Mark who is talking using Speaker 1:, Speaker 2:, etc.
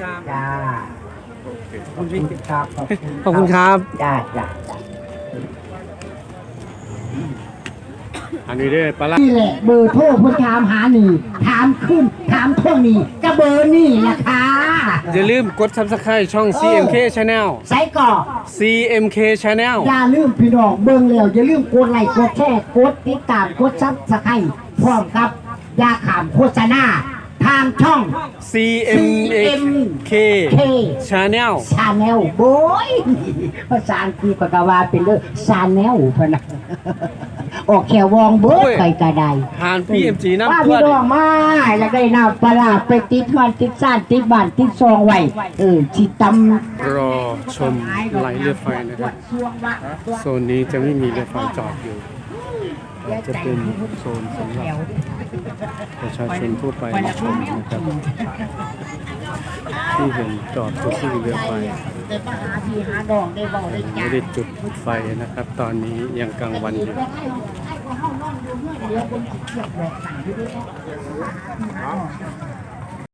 Speaker 1: ครับ
Speaker 2: จ้า
Speaker 1: ขอบคุณ
Speaker 2: ครับ
Speaker 1: ขอบคุณครับ
Speaker 2: จ้าจ้า
Speaker 1: อันนี้เด้อปลาร้า
Speaker 2: นี่แหละเบอร์โทรเพื่อถามหานี่ถามขึ้นถามท่วงนี่ก็เบอร์นี่แหละค่ะ
Speaker 1: อย่าลืมกด Subscribe ช่อง CMK Channel
Speaker 2: ใส่ก่อ
Speaker 1: CMK Channel
Speaker 2: อย่าลืมพี่น้องเบิ่งแล้วอย่าลืมกดไลค์กดแชร์กดติดตามกดซับสไครต์พร้อมครับอย่าขามโฆษณาทางช่อง
Speaker 1: CMK Channel
Speaker 2: ชาแนลโบยภาษาอังกฤษก็ว่าเป็นเรื่องชาแนลพะนะออกแขววองเบิดไปกระได
Speaker 1: หาน PMG น้ำ
Speaker 2: ว่า
Speaker 1: ตั
Speaker 2: พี่
Speaker 1: ว
Speaker 2: น้องมาแล้วได้น้ำปลาไปติดมันติดซ่านติดบ้านติดซองไว้ที่ตำ
Speaker 1: รอชมไหลเรือไฟนะครับโซนนี้จะไม่มีเรือไฟจอดอยู่จะเป็นโซนสำหรับประชาชนทั่วไปมาชมนะครับที่เห็นจอดก็คือเรือไฟ
Speaker 2: แต่มาหาที่หาดองได้เบาได้
Speaker 1: ไม่
Speaker 2: จ้า
Speaker 1: ได้จุดไฟนะครับ ตอนนี้ยังกลางวันอยู่
Speaker 2: เดี๋ยวคนเกี่ยวบอกสั่งที่ด้วย